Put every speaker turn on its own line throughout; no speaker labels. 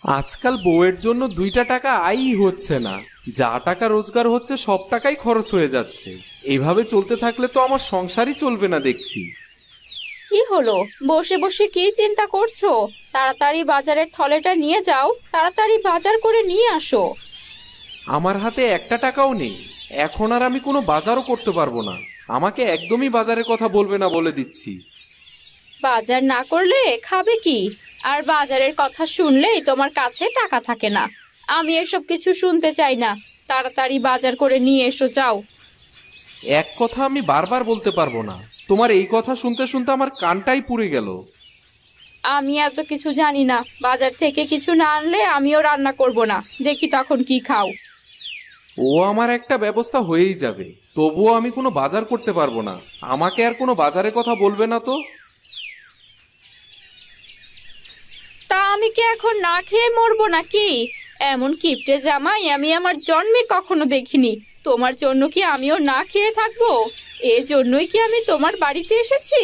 আজকাল বউয়ের জন্য 2টা টাকা আয়ই হচ্ছে না। যা টাকা রোজগার হচ্ছে সব টাকাই খরচ হয়ে যাচ্ছে। এভাবে চলতে থাকলে তো আমার সংসারই চলবে না দেখছি।
কি হলো? বসে বসে কি চিন্তা করছো? তাড়াতাড়ি বাজারের থলেটা নিয়ে যাও, তাড়াতাড়ি বাজার করে নিয়ে আসো।
আমার হাতে একটা টাকাও নেই। এখন আর আমি কোনো বাজারও করতে পারবো না। আমাকে একদমই বাজারের কথা বলবে না বলে দিচ্ছি।
বাজার না করলে খাবে কি? আর বাজারের কথা শুনলেই তোমার কাছে টাকা থাকে না। আমি এসব কিছু শুনতে চাই না। তাড়াতাড়ি বাজার করে নিয়ে এসো, যাও।
এক কথা আমি বারবার বলতে পারবো না। তোমার এই কথা শুনতে শুনতে আমার কানটাই পুড়ে গেল।
আমি এত কিছু জানি না। বাজার থেকে কিছু না আনলে আমিও রান্না করব না। দেখি তখন কি খাও।
ও আমার একটা ব্যবস্থা হয়েই যাবে। তবুও আমি কোনো বাজার করতে পারবো না। আমাকে আর কোনো বাজারের কথা বলবে না তো।
তা আমি কি এখন না খেয়ে মরবো নাকি? এমন কিপটে জামাই আমি আমার জন্মে কখনো দেখিনি। তোমার জন্য কি আমিও না খেয়ে থাকবো? এজন্যই কি আমি তোমার বাড়িতে এসেছি?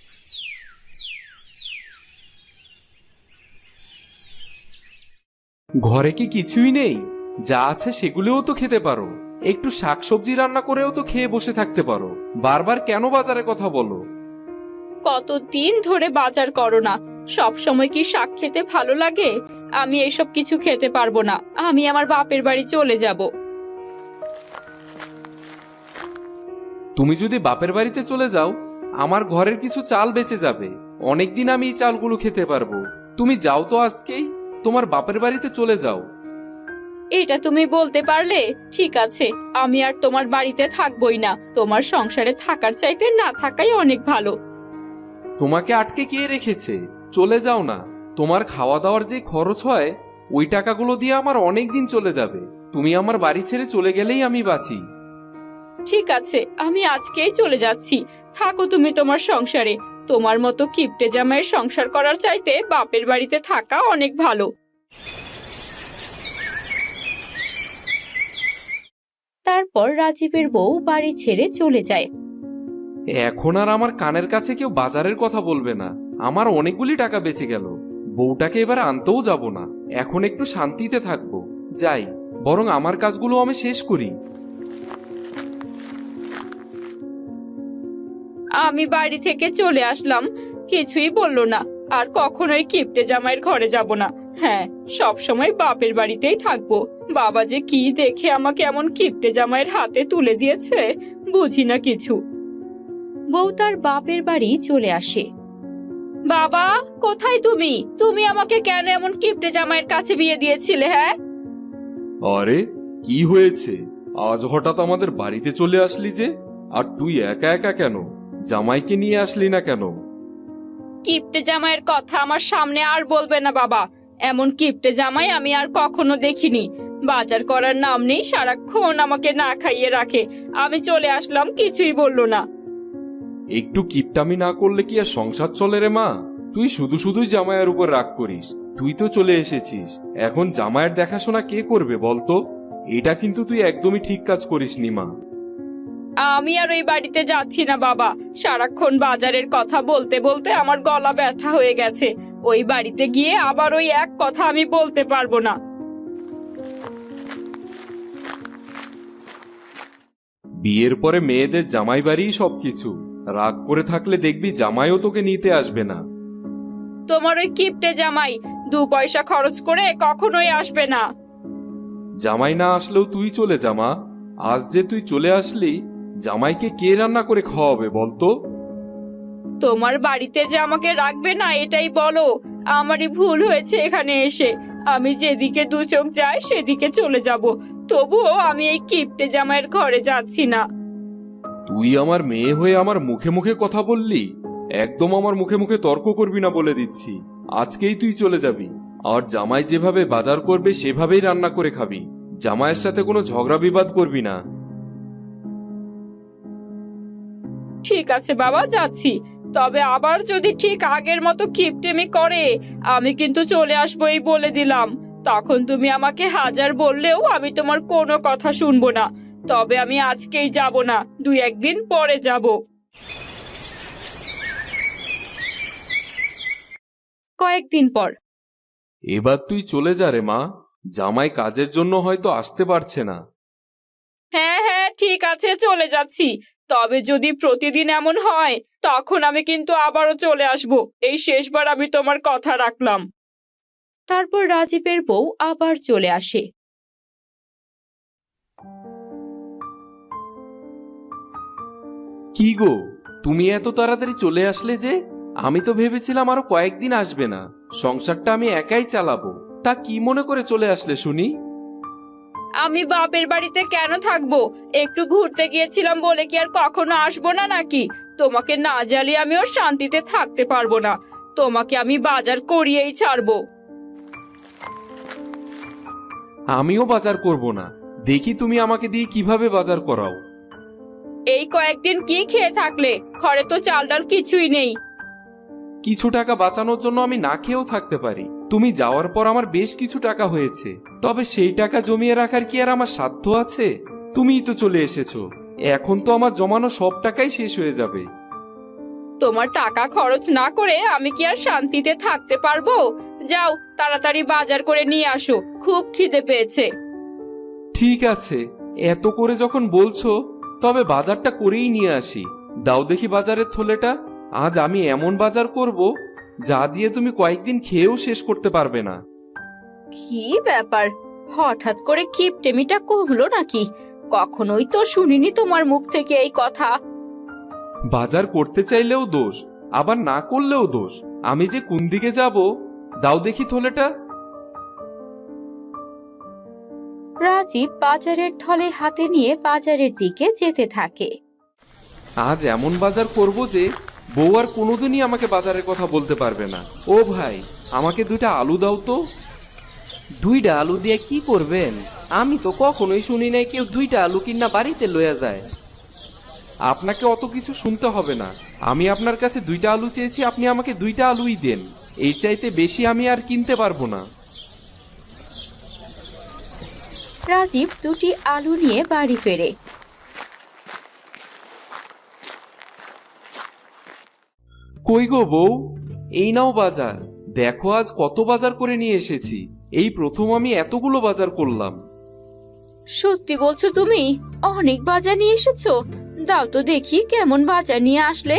ঘরে কি কিছুই নেই? যা আছে সেগুলোও তো খেতে পারো। একটু শাকসবজি রান্না করেও তো খেয়ে বসে থাকতে পারো। বারবার কেন বাজারের কথা বলো?
কতদিন ধরে বাজার করো না? সব সময় কি শাক খেতে ভালো লাগে? আমি এসব কিছু খেতে পারবো না। আমি আমার বাপের বাড়ি চলে যাব।
তুমি যদি বাপের বাড়িতে চলে যাও, আমার ঘরের কিছু চাল বেঁচে যাবে। অনেকদিন আমি এই চালগুলো খেতে পারবো। তুমি যাও তো আজকেই। তোমার বাপের বাড়িতে চলে যাও।
এটা তুমি বলতে পারলে? ঠিক আছে, আমি আর তোমার বাড়িতে থাকবোই না। তোমার সংসারে থাকার চাইতে না থাকাই অনেক ভালো।
তোমাকে আটকে কে রেখেছে? চলে যাও না। তোমার খাওয়া দাওয়ার যে খরচ হয়, ওই টাকাগুলো দিয়ে আমার অনেক দিন চলে যাবে। তুমি আমার বাড়ি ছেড়ে চলে গেলেই আমি বাঁচি।
ঠিক আছে, আমি আজকেই চলে যাচ্ছি। থাকো তুমি তোমার সংসারে। তোমার মতো কিপটে জামাইয়ের সংসার করার চাইতে বাপের বাড়িতে থাকা অনেক ভালো। তারপর রাজীবের বউ বাড়ি ছেড়ে চলে যায়।
এখন আর আমার কানের কাছে কেউ বাজারের কথা বলবে না। আমার অনেকগুলি টাকা বেঁচে গেল। বউটাকে এবার আনতেও যাব না। এখন একটু শান্তিতে থাকবো। যাই, বরং আমার কাজগুলো আমি শেষ করি।
আমি বাড়ি থেকে চলে আসলাম, কিছুই বললো না। আর কখনোই কিপটে জামাইয়ের ঘরে যাব না। হ্যাঁ, সব সময় বাপের বাড়িতেই থাকবো। বাবা যে কি দেখে আমাকে এমন কিপটে জামাইয়ের হাতে তুলে দিয়েছে, বুঝি না কিছু। বউ তার বাপের বাড়ি চলে আসে। বাবা, কোথায় তুমি? তুমি আমাকে কেন এমন কিপটে জামাইয়ের কাছে বিয়ে দিয়েছিলে? হ্যাঁ,
আরে, কি হয়েছে? আজ হঠাৎ আমাদের বাড়িতে চলে আসলি যে? আর তুই একা একা কেন? জামাইকে নিয়ে আসলি না কেন?
কিপটে জামাইয়ের কথা আমার সামনে আর বলবে না বাবা। এমন কিপটে জামাই আমি আর কখনো দেখিনি। বাজার করার নাম নেই, সারাক্ষণ আমাকে না খাইয়ে রাখে। আমি চলে আসলাম, কিছুই বললো না।
একটু কিপটামি না করলে কি আর সংসার চলে রে মা? তুই শুধু শুধুই জামাইয়ের উপর রাগ করিস। তুই তো চলে এসেছিস, এখন জামাইয়ের দেখাশোনা কে করবে বলতো? এটা কিন্তু তুই একদমই ঠিক কাজ করিসনি মা।
আমি আর ওই বাড়িতে যাচ্ছি না বাবা। সারাক্ষণ বাজারের কথা বলতে বলতে আমার গলা ব্যথা হয়ে গেছে। ওই বাড়িতে গিয়ে আবার ওই এক কথা আমি বলতে পারবো না।
বিয়ের পরে মেয়েদের জামাই বাড়িই সবকিছু। রাগ করে থাকলে দেখবি জামাইও তোকে নিতে আসবে না।
তোমার ওই কিপটে জামাই 2 পয়সা খরচ করে কখনোই আসবে না।
জামাই না আসলেও তুই চলে যা মা। আজ যে তুই চলে আসলি, জামাইকে কে রান্না করে খাওয়াবে বলতো?
তোমার বাড়িতে যে আমাকে রাখবে না এটাই বলো। আমারই ভুল হয়েছে এখানে এসে। আমি যেদিকে 2 চোখ যায় সেদিকে চলে যাব। তবুও আমি এই কিপটে জামাইয়ের ঘরে যাচ্ছি না।
তুই আমার মেয়ে হয়ে আমার মুখে মুখে কথা বললি? একদম আমার মুখে মুখে তর্ক করবি না বলে দিচ্ছি। আজকেই তুই চলে যাবি। আর জামাই যেভাবে বাজার করবে সেভাবেই রান্না করে খাবি। জামাইয়ের সাথে কোনো ঝগড়া বিবাদ করবি না।
ঠিক আছে বাবা, যাচ্ছি। তবে আবার যদি ঠিক আগের মতো কিপটেমি করে, আমি কিন্তু চলে আসবো, এই বলে দিলাম। তখন তুমি আমাকে হাজার বললেও আমি তোমার কোনো কথা শুনবো না। তবে আমি আজকেই যাব না, 2-1 দিন পরে যাব। কয়েকদিন পর
এবার তুই চলে যা রে মা, জামাই কাজের জন্য হয়তো আসতে পারছে না।
হ্যাঁ হ্যাঁ, ঠিক আছে, চলে যাচ্ছি। তবে যদি প্রতিদিন এমন হয় তখন আমি কিন্তু আবারও চলে আসব। এই শেষবার আমি তোমার কথা রাখলাম। তারপর রাজীবের বউ আবার চলে আসে।
কি গো, তুমি এত তাড়াতাড়ি চলে আসলে যে? আমি তো ভেবেছিলাম আরো কয়েকদিন আসবে না, সংসারটা আমি একাই চালাবো। তা কি মনে করে চলে আসলে শুনি?
আমি বাপের বাড়িতে কেন থাকবো? একটু ঘুরতে গিয়েছিলাম বলে কি আর কখনো আসবো না নাকি? তোমাকে না জ্বালিয়ে আমিও শান্তিতে থাকতে পারবো না। তোমাকে আমি বাজার করিয়েই ছাড়বো।
আমিও বাজার করব না, দেখি তুমি আমাকে দিয়ে কিভাবে বাজার করাও।
এই কয়েকদিন কি খেয়ে থাকলে? ঘরে তো চাল ডাল কিছুই নেই।
কিছু টাকা বাঁচানোর জন্য আমি না খেয়েও থাকতে পারি। তুমি যাওয়ার পর আমার বেশ কিছু টাকা হয়েছে, তবে সেই টাকা জমিয়ে রাখার কি আর আমার সাধ্য আছে? তুমিই তো চলে এসেছো, এখন তো আমার জমানো সব টাকাই শেষ হয়ে যাবে।
তোমার টাকা খরচ না করে আমি কি আর শান্তিতে থাকতে পারবো? যাও, তাড়াতাড়ি বাজার করে নিয়ে আসো, খুব খিদে পেয়েছে।
ঠিক আছে, এত করে যখন বলছো তবে বাজারটা করেই নিয়ে আসি। দাও দেখি বাজারের থলেটা। আজ আমি এমন বাজার করব যা দিয়ে তুমি কয়েকদিন খেয়েও শেষ করতে পারবে না।
কি ব্যাপার, হঠাৎ করে কিপটেমিটা কমলো নাকি? কখনোই তো শুনিনি তোমার মুখ থেকে এই কথা।
বাজার করতে চাইলেও দোষ, আবার না করলেও দোষ। আমি যে কোন দিকে যাব? দাও দেখি থলেটা।
রাজীব বাজারের থলে হাতে নিয়ে বাজারের দিকে যেতে থাকে।
আজ এমন বাজার করব যে বউ আর কোনোদিনই আমাকে বাজারের কথা বলতে পারবে না। ও ভাই, আমাকে 2টা আলু দাও তো।
2টা আলু দিয়ে কি করবেন? আমি তো কখনোই শুনি নাই কেউ 2টা আলু কিনা বাড়িতে লইয়া যায়।
আপনাকে অত কিছু শুনতে হবে না। আমি আপনার কাছে 2টা আলু চেয়েছি, আপনি আমাকে 2টা আলুই দেন। এর চাইতে বেশি আমি আর কিনতে পারবো না।
রাজীব 2টি আলু নিয়ে বাড়ি ফেরে।
কই গো বউ, এই নাও বাজার। দেখো আজ কত বাজার করে নিয়ে এসেছি। এই প্রথম আমি এতগুলো বাজার করলাম।
সত্যি বলছো তুমি? অনেক বাজার নিয়ে এসেছো। দাও তো দেখি কেমন বাজার নিয়ে আসলে।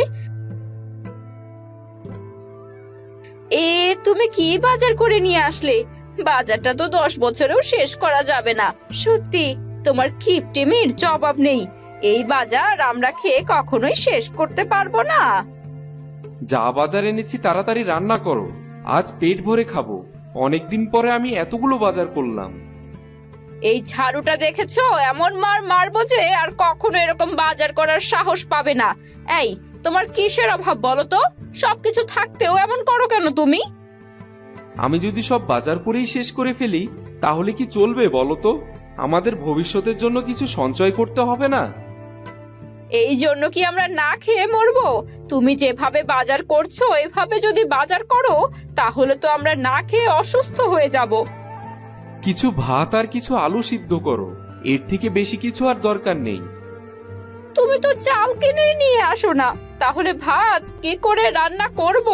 তুমি কি বাজার করে নিয়ে আসলে? বাজারটা তো 10 বছরেও শেষ করা যাবে না। সত্যি তোমার কিপটেমির জবাব নেই। এই বাজার আমরা খেয়ে কখনোই শেষ করতে পারবো না।
যা বাজার এনেছি তাড়াতাড়ি রান্না করো, আজ পেট ভরে খাবো। অনেকদিন পরে আমি এতগুলো বাজার করলাম।
এই ঝাড়ুটা দেখেছো? এমন মার মারবো যে আর কখনো এরকম বাজার করার সাহস পাবে না। এই, তোমার কিসের অভাব বলো তো? সবকিছু থাকতেও এমন করো কেন তুমি?
আমি যদি সব বাজার করেই শেষ করে ফেলি তাহলে কি চলবে বলো তো? আমাদের ভবিষ্যতের জন্য কিছু সঞ্চয় করতে হবে না?
এই জন্য কি আমরা না খেয়ে মরবো? তুমি যেভাবে বাজার করছো এভাবে যদি বাজার করো তাহলে তো আমরা না খেয়ে অসুস্থ হয়ে যাব।
কিছু ভাত আর কিছু আলু সিদ্ধ করো, এর থেকে বেশি কিছু আর দরকার নেই।
তুমি তো চাল কিনে নিয়ে আসো না, তাহলে ভাত কি করে রান্না করব?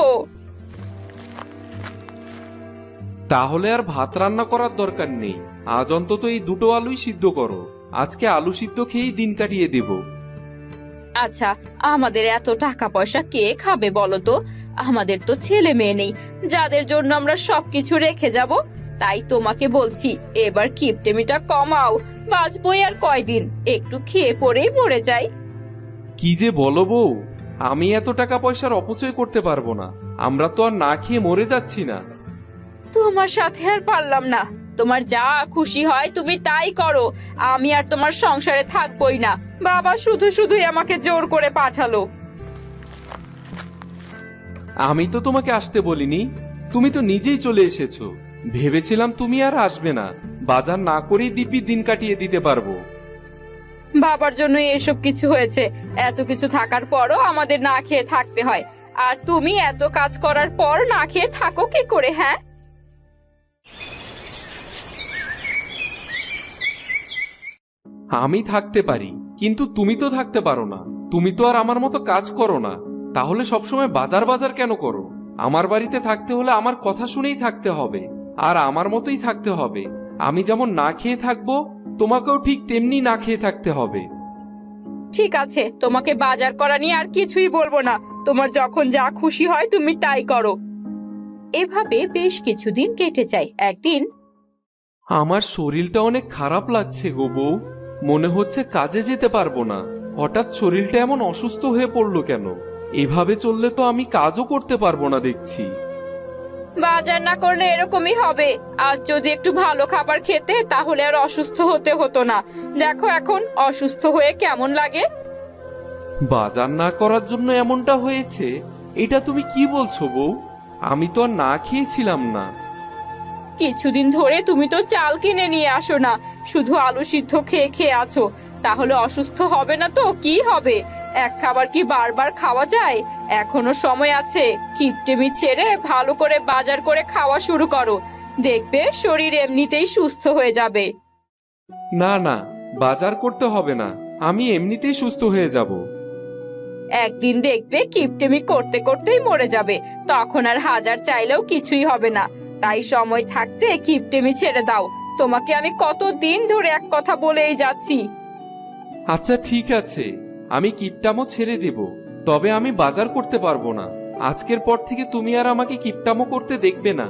তাহলে আর ভাত রান্না করার দরকার নেই। আজ অন্তত এই 2টো আলুই সিদ্ধ করো। আজকে আলু সিদ্ধ খেয়েই দিন কাটিয়ে দেব।
আচ্ছা, আমাদের এত টাকা পয়সা কে খাবে বলো তো? আমাদের তো ছেলে মেয়ে নেই যাদের জন্য আমরা সবকিছু রেখে যাব। তাই তোমাকে বলছি, এবার কিপটেমিটা কমাও। বাঁচবই আর কয়দিন, একটু খেয়ে পরেই মরে যাই।
কি যে বলো বউ, আমি এত টাকা পয়সার অপচয় করতে পারবো না। আমরা তো আর না খেয়ে মরে যাচ্ছি না।
তোমার সাথে আর পারলাম না। তোমার যা খুশি হয় তুমি তাই করো। আমি আর তোমার সংসারে থাকবই না। বাবা শুধু শুধুই আমাকে জোর করে পাঠালো।
আমি তো তোমাকে আসতে বলিনি, তুমি তো নিজেই চলে এসেছো। ভেবেছিলাম তুমি আর আসবে না, বাজার না করেই দিব্যি দিন কাটিয়ে দিতে পারবো।
বাবার জন্য এসব কিছু হয়েছে। এত কিছু থাকার পরও আমাদের না খেয়ে থাকতে হয়। আর তুমি এত কাজ করার পর না খেয়ে থাকো কি করে? হ্যাঁ,
আমি থাকতে পারি, কিন্তু তুমি তো থাকতে পারো না। তুমি তো আর আমার মতো কাজ করো না, তাহলে সবসময় বাজার বাজার কেন করো? আমার বাড়িতে থাকতে হলে আমার কথা শুনেই থাকতে হবে। আর আমার মতোই থাকতে হবে। আমি যেমন না খেয়ে থাকবো, তোমাকেও ঠিক তেমনি না খেয়ে থাকতে হবে।
ঠিক আছে, তোমাকে বাজার করা নিয়ে আর কিছুই বলবো না। তোমার যখন যা খুশি হয় তুমি তাই করো। এভাবে বেশ কিছুদিন কেটে যায়। একদিন
আমার শরীরটা অনেক খারাপ লাগছে গো বউ। মনে হচ্ছে কাজে যেতে পারবো না। হঠাৎ শরীরটা এমন অসুস্থ হয়ে পড়লো কেন? এভাবে চললে তো আমি কাজও করতে পারবো না দেখছি।
বাজার না করলে এরকমই হবে। আজ যদি একটু ভালো খাবার খেতে তাহলে আর অসুস্থ হতে হতো না। দেখো এখন অসুস্থ হয়ে কেমন লাগে।
বাজার না করার জন্য এমনটা হয়েছে? এটা তুমি কি বলছো বউ? আমি তো আর না খেয়েছিলাম না।
কিছুদিন ধরে তুমি তো চাল কিনে নিয়ে আসো না, শুধু আলু সিদ্ধ খেয়ে খেয়ে আছো। তাহলে অসুস্থ হবে না তো কি হবে? এক খাবার কি বারবার খাওয়া যায়? এখনো সময় আছে। কিপটেমি ছেড়ে ভালো করে বাজার করে খাওয়া শুরু করো। দেখবে শরীর এমনিতেই সুস্থ হয়ে যাবে।
না না, বাজার করতে হবে না। আমি এমনিতেই সুস্থ হয়ে যাব।
একদিন দেখবে কিপটেমি করতে করতেই মরে যাবে। তখন আর হাজার চাইলেও কিছুই হবে না। তাই সময় থাকতে কিপটেমি ছেড়ে দাও। তোমাকে আমি কতদিন ধরে এক কথা বলেই যাচ্ছি।
আচ্ছা ঠিক আছে, আমি কিপটামো ছেড়ে দেব। তবে আমি বাজার করতে পারবো না। আজকের পর থেকে তুমি আর আমাকে কিপটামো করতে দেখবে না।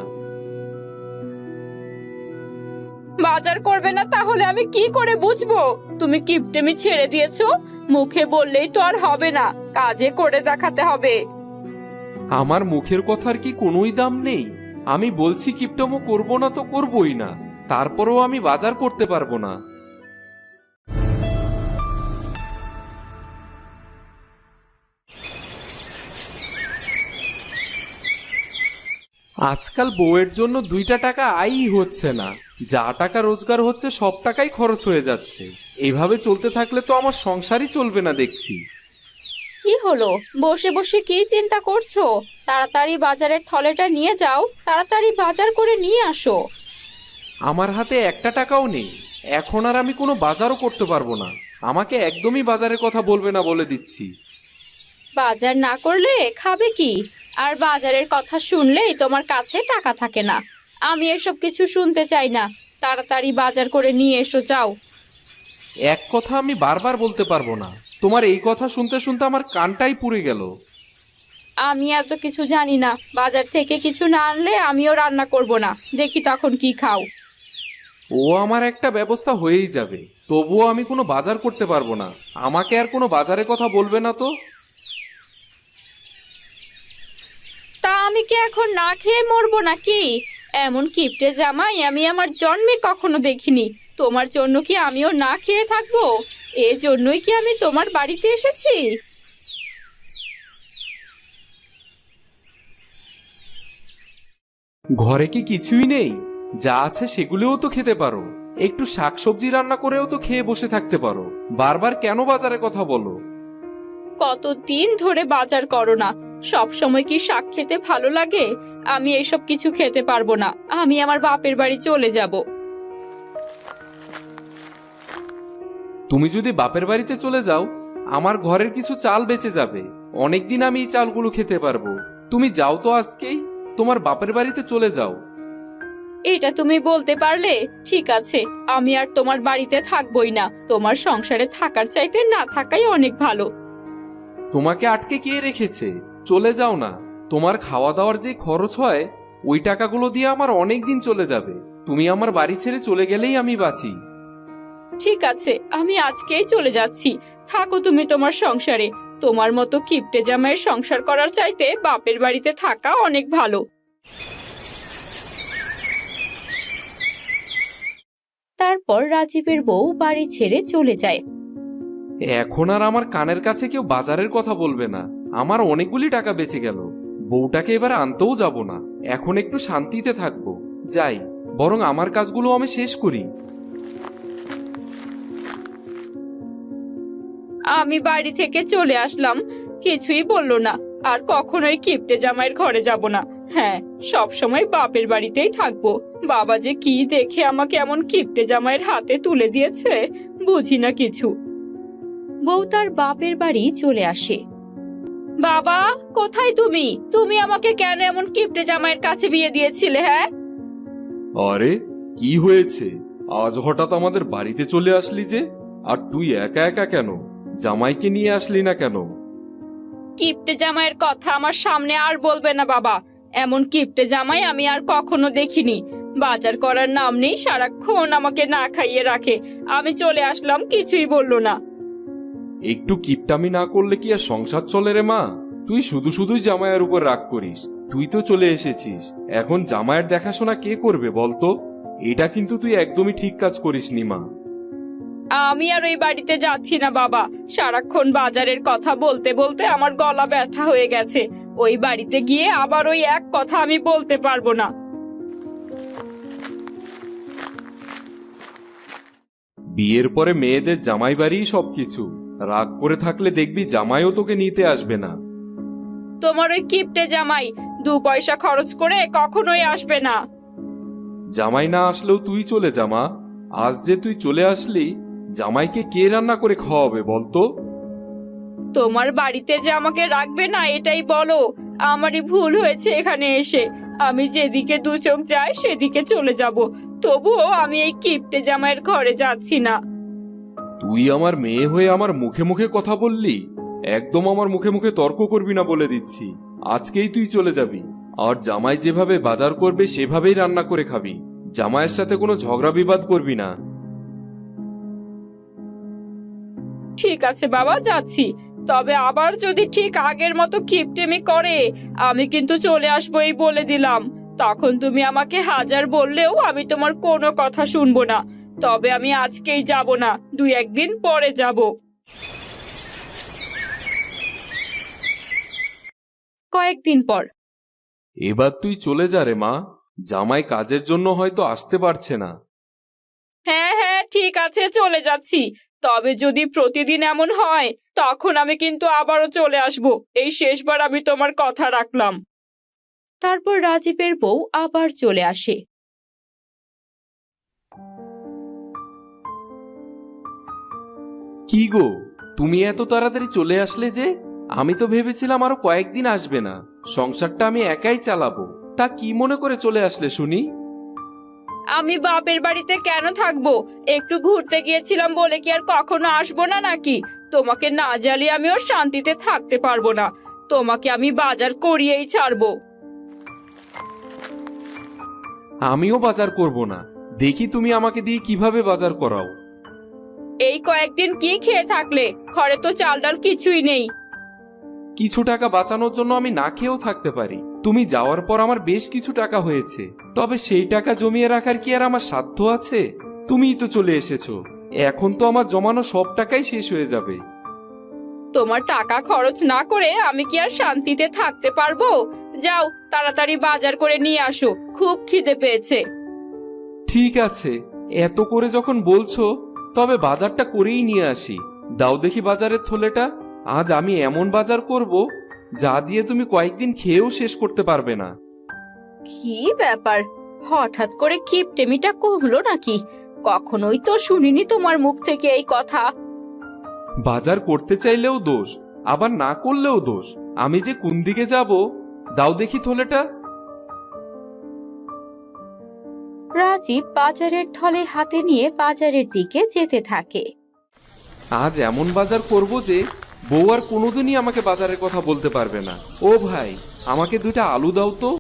বাজার করবে না তাহলে আমি কি করে বুঝবো তুমি কিপটেমি ছেড়ে দিয়েছো? মুখে বললেই তো আর হবে না, কাজে করে দেখাতে হবে।
আমার মুখের কথার কি কোনোই দাম নেই? আমি বলছি কিপটামো করবো না তো করবোই না। তারপরেও আমি বাজার করতে পারবো না। আজকাল বউয়ের জন্য 2টা টাকা আয়ই হচ্ছে না। যা টাকা রোজগার হচ্ছে সব টাকাই খরচ হয়ে যাচ্ছে। এভাবে চলতে থাকলে তো আমার সংসারই চলবে না দেখছি।
কি হলো, বসে বসে কি চিন্তা করছো? তাড়াতাড়ি বাজারের থলেটা নিয়ে যাও, তাড়াতাড়ি বাজার করে নিয়ে আসো।
আমার হাতে 1টা টাকাও নেই। এখন আর আমি কোনো বাজারও করতে পারবো না। আমাকে একদমই বাজারের কথা বলবে না বলে দিচ্ছি।
বাজার না করলে খাবে কি? আর বাজারের কথা শুনলেই তোমার কাছে টাকা থাকে না। আমি এসব কিছু শুনতে চাই না। তাড়াতাড়ি বাজার করে নিয়ে এসো, যাও।
এক কথা আমি বারবার বলতে পারবো না। তোমার এই কথা শুনতে শুনতে আমার কানটাই পুড়ে গেল।
আমি এত কিছু জানি না। বাজার থেকে কিছু না আনলে আমিও রান্না করব না। দেখি তখন কি খাও।
ও আমার একটা ব্যবস্থা হয়েই যাবে। তবুও আমি কোনো বাজার করতে পারবো না। আমাকে আর কোনো বাজারের কথা বলবে না তো।
তা আমি কি এখন না খেয়ে মরবো নাকি? এমন কিপটে জামাই আমি আমার জন্মে কখনো দেখিনি। তোমার জন্য কি আমিও না খেয়ে থাকবো? এর জন্যই কি আমি তোমার বাড়িতে এসেছি?
ঘরে কি কিছুই নেই? যা আছে সেগুলোও তো খেতে পারো। একটু শাকসবজি রান্না করেও তো খেয়ে বসে থাকতে পারো। বারবার কেন বাজারের কথা বলো?
কতদিন ধরে বাজার করো না? সব সময় কি শাক খেতে ভালো লাগে? আমি এসব কিছু খেতে পারবো না। আমি আমার বাপের বাড়ি চলে যাব।
তুমি যদি বাপের বাড়িতে চলে যাও, আমার ঘরের কিছু চাল বেঁচে যাবে। অনেকদিন আমি এই চালগুলো খেতে পারবো। তুমি যাও তো আজকেই, তোমার বাপের বাড়িতে চলে যাও।
এটা তুমি বলতে পারলে? ঠিক আছে, আমি আর তোমার বাড়িতে থাকবোই না। তোমার সংসারে থাকার চাইতে না থাকাই অনেক ভালো।
তোমাকে আটকে কে রেখেছে? চলে যাও না। তোমার খাওয়া দাওয়ার যে খরচ হয়, ওই টাকাগুলো দিয়ে আমার অনেক দিন চলে যাবে। তুমি আমার বাড়ি ছেড়ে চলে গেলেই আমি বাঁচি।
ঠিক আছে, আমি আজকেই চলে যাচ্ছি। থাকো তুমি তোমার সংসারে। তোমার মতো কিপটে জামাইয়ের সংসার করার চাইতে বাপের বাড়িতে থাকা অনেক ভালো। তারপর রাজীবের বউ বাড়ি ছেড়ে চলে যায়।
এখন আর আমার কানের কাছে কেউ বাজারের কথা বলবে না। আমার অনেকগুলি টাকা বেঁচে গেল। বউটাকে এবার আনতেও যাব না। এখন একটু শান্তিতে থাকবো। যাই, বরং আমার কাজগুলো আমি শেষ করি।
আমি বাড়ি থেকে চলে আসলাম, কিছুই বললো না। আর কখনোই কিপটে জামাইয়ের ঘরে যাব না। হ্যাঁ, সব সময় বাপের বাড়িতেই থাকবো। বাবা যে কি দেখে আমাকে এমন কিপটে জামাইয়ের হাতে তুলে দিয়েছে, বুঝি না কিছু। বউ তার বাপের বাড়ি চলে আসে। বাবা, কোথায় তুমি? তুমি আমাকে কেন এমন কিপটে জামাইয়ের কাছে বিয়ে দিয়েছিলে? হ্যাঁ,
আরে কি হয়েছে? আজ হঠাৎ আমাদের বাড়িতে চলে আসলি যে? আর তুই একা একা কেন? জামাইকে নিয়ে আসলি না কেন?
কিপ্টে জামাইয়ের কথা আমার সামনে আর বলবে না বাবা। এমন কিপ্টে জামাই আমি আর কখনো দেখিনি। বাজার করার নাম নেই, সারাক্ষণ আমাকে না খাইয়ে রাখে। আমি চলে আসলাম, কিছুই বললো না।
একটু কিপটামি না করলে কি আর সংসার চলে রে মা? তুই শুধু শুধুই জামাইয়ের উপর রাগ করিস। তুই তো চলে এসেছিস, এখন জামাইয়ের দেখাশোনা কে করবে বলতো? এটা কিন্তু তুই একদমই ঠিক কাজ করিসনি মা।
আমি আর ওই বাড়িতে যাচ্ছি না বাবা। সারাক্ষণ বাজারের কথা বলতে বলতে আমার গলা ব্যথা হয়ে গেছে। ওই বাড়িতে গিয়ে আবার ওই এক কথা আমি বলতে পারবো না।
বিয়ের পরে মেয়েদের জামাই বাড়িই সবকিছু। রাগ করে থাকলে দেখবি জামাইও তোকে নিতে আসবে না।
তোমার ওই কিপ্টে জামাই 2 পয়সা খরচ করে কখনোই আসবে না।
জামাই না আসলেও তুই চলে যা মা। আজ যে তুই চলে আসলি, জামাইকে কে রান্না করে খাওয়াবে বলতো?
তোমার বাড়িতে যে আমাকে রাখবে না এটাই বলো। আমারই ভুল হয়েছে এখানে এসে। আমি যেদিকে 2 চোখ যায় সেদিকে চলে যাব। তবুও আমি এই কিপ্টে জামাইয়ের ঘরে যাচ্ছি না।
তুই আমার মেয়ে হয়ে আমার মুখে মুখে কথা বললি? একদম আমার মুখে মুখে তর্ক করবি না বলে দিচ্ছি। আজকেই তুই চলে যাবি। আর জামাই যেভাবে বাজার করবে সেভাবেই রান্না করে খাবি। জামাইয়ের সাথে কোনো ঝগড়া বিবাদ করবি না।
ঠিক আছে বাবা, যাচ্ছি। তবে আবার যদি ঠিক আগের মতো কিপটেমি করে আমি কিন্তু চলে আসবো, এই বলে দিলাম। তখন তুমি আমাকে হাজার বললেও আমি তোমার কোনো কথা শুনবো না। তবে আমি আজকেই যাব না, 2-1 দিন পরে যাব। কয়েকদিন পর।
এবার তুই চলে যা রে মা। জামাই কাজের জন্য হয়তো আসতে পারছে না।
হ্যাঁ হ্যাঁ ঠিক আছে, চলে যাচ্ছি। তবে যদি প্রতিদিন এমন হয় তখন আমি কিন্তু আবারও চলে আসব। এই শেষবার আমি তোমার কথা রাখলাম। তারপর রাজীবের বউ আবার চলে আসে।
কি গো, তুমি এত তাড়াতাড়ি চলে আসলে যে? আমি তো ভেবেছিলাম আরো কয়েকদিন আসবে না। সংসারটা আমি একাই চালাবো। তা কি মনে করে চলে আসলে শুনি?
আমি বাপের বাড়িতে কেন থাকবো? একটু ঘুরতে গিয়েছিলাম বলে কি আর কখনো আসবো না নাকি? তোমাকে না জ্বালিয়ে আমিও শান্তিতে থাকতে পারবো না। তোমাকে আমি বাজার করিয়েই ছাড়বো।
আমিও বাজার করব না। দেখি তুমি আমাকে দিয়ে কিভাবে বাজার করাও।
এই কয়েকদিন কি খেয়ে থাকলে? ঘরে তো চাল ডাল কিছুই নেই।
কিছু টাকা বাঁচানোর জন্য আমি না খেয়েও থাকতে পারি। তুমি যাওয়ার পর আমার বেশ কিছু টাকা হয়েছে। তবে সেই টাকা জমিয়ে রাখার কি আর আমার সাধ্য আছে? তুমিই তো চলে এসেছো। এখন তো আমার জমানো সব টাকাই শেষ হয়ে যাবে।
তোমার টাকা খরচ না করে আমি কি আর শান্তিতে থাকতে পারবো? যাও তাড়াতাড়ি বাজার করে নিয়ে আসো, খুব খিদে পেয়েছে।
ঠিক আছে, এত করে যখন বলছো তবে বাজারটা করেই নিয়ে আসি। দাও দেখি বাজারের থলেটা। আজ আমি এমন বাজার করব যা দিয়ে তুমি কয়েকদিন খেয়েও শেষ করতে পারবে না।
কি ব্যাপার, হঠাৎ করে কিপটেমিটা কমলো নাকি? কখনোই তো শুনিনি তোমার মুখ থেকে এই কথা।
বাজার করতে চাইলেও দোষ, আবার না করলেও দোষ। আমি যে কোন দিকে যাব, দাও দেখি থলেটা।
রাজীব বাজারের থলে হাতে নিয়ে বাজারের দিকে যেতে থাকে।
আজ এমন বাজার করব যে বউ আর কোনোদিনই আমাকে বাজারের কথা বলতে পারবে না। ও ভাই, আমাকে 2টা আলু দাও তো।